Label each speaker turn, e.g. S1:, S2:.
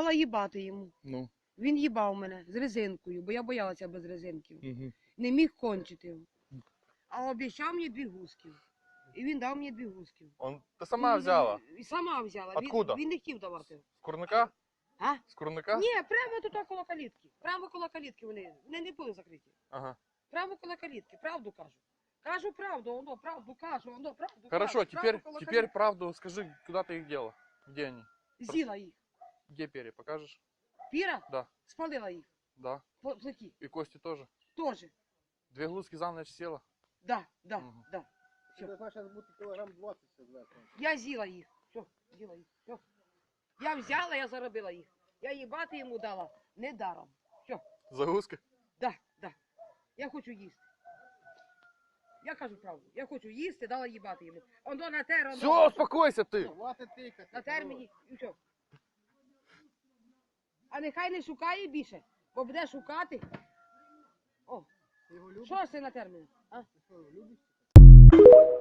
S1: дала їбати йому.
S2: Ну.
S1: Він їбав мене з резинкою, бо я боялася без резинків.
S2: Угу.
S1: Не міг кончити. А обіцяв мені 2 гуски. І він дав мені 2 гуски.
S2: Ти сама взяла?
S1: І сама взяла.
S2: Откуда?
S1: Він не хотів давати.
S2: З курника?
S1: А?
S2: З курника?
S1: Ні, прямо тут коло калітки. Прямо коло калітки вони не були закриті.
S2: Ага.
S1: Прямо коло калітки, правду кажу. Кажу правду, воно правду кажу, воно правду
S2: Хорошо,
S1: кажу.
S2: теперь
S1: Калітки.
S2: правду скажи, куда ты их дела? Где они?
S1: З'їла їх.
S2: Где перья, покажешь?
S1: Піра?
S2: Да.
S1: Спалила їх.
S2: Да.
S1: По плиті.
S2: И кости тоже?
S1: Тоже.
S2: 2 глузки за ночь села?
S1: Да, да,
S2: Мгм.
S1: да.
S3: Це должна зараз бути кілограм 20 зверху.
S1: Я з'їла їх. Все, з'їла їх. Все. Я взяла, я заробила їх. Я їбати йому дала. Не даром. Все.
S2: За гуски?
S1: Да, да. Я хочу їсти. Я кажу правду. Я хочу їсти, дала їбати йому. Оно на те,
S2: Все, успокойся ты!
S3: Хватить тикати.
S1: на терміні і все. А нехай не шукає більше, бо буде шукати. О,
S3: Ти його любиш?
S1: що ж ти на терміні? А?
S3: Ти що, його любиш?